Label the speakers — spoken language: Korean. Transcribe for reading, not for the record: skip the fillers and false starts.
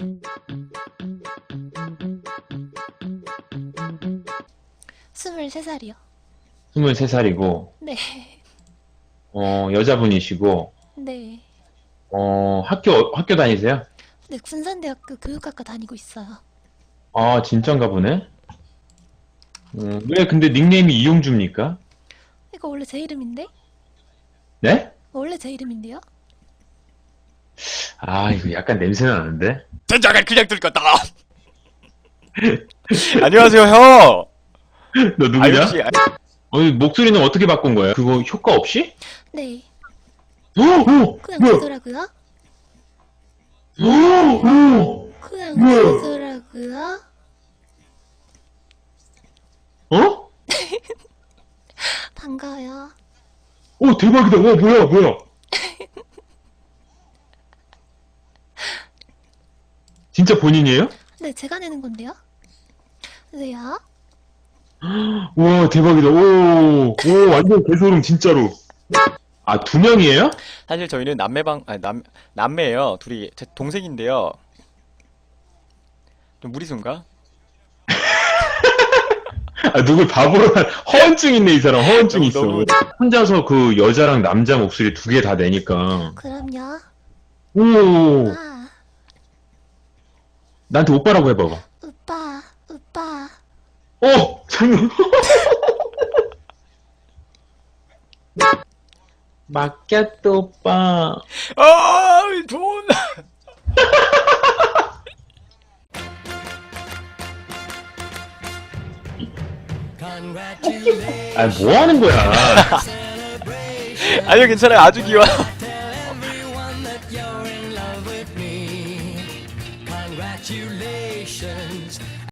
Speaker 1: (23살이요)
Speaker 2: 23살이고,
Speaker 1: 네.
Speaker 2: 여자분이시고,
Speaker 1: 네.
Speaker 2: 학교 다니세요?
Speaker 1: 네, 군산대학교 교육학과 다니고 있어요.
Speaker 2: 아, 진짠가 보네? 왜 근데 닉네임이 이용주입니까?
Speaker 1: 이거 원래 제 이름인데?
Speaker 2: 네?
Speaker 1: 원래 제 이름인데요?
Speaker 2: 아, 이거 약간 냄새 나는데?
Speaker 3: 젠장을 그냥 들켰다. 안녕하세요, 형.
Speaker 2: 너
Speaker 3: 아,
Speaker 2: 누구냐?
Speaker 3: 역시.
Speaker 2: 목소리는 어떻게 바꾼 거예요? 그거 효과 없이?
Speaker 1: 네.
Speaker 2: 오!
Speaker 1: 그냥
Speaker 2: 뭐야?
Speaker 1: 되더라고요.
Speaker 2: 오!
Speaker 1: 그냥
Speaker 2: 뭐야?
Speaker 1: 되더라고요.
Speaker 2: 어?
Speaker 1: 반가워요.
Speaker 2: 오, 대박이다. 와, 뭐야? 진짜 본인이에요?
Speaker 1: 네, 제가 내는 건데요? 네요.
Speaker 2: 우와, 대박이다. 오, 완전 개소름, 진짜로. 아, 2명이에요?
Speaker 3: 사실 저희는 남매예요. 둘이 제 동생인데요. 좀 무리수인가?
Speaker 2: 아, 누굴 바보로 허언증 있네, 이 사람. 허언증 있어.
Speaker 3: 너무-
Speaker 2: 혼자서 그 여자랑 남자 목소리 2개 다 내니까.
Speaker 1: 그럼요.
Speaker 2: 오,
Speaker 1: 아,
Speaker 2: 나한테 오빠라고 해봐봐.
Speaker 1: 오빠.
Speaker 2: 장난. 맡겼다, 오빠.
Speaker 3: 아, 돈.
Speaker 2: 아, 뭐 하는 거야?
Speaker 3: 아니요, 괜찮아요. 아주 귀여워.
Speaker 4: Congratulations.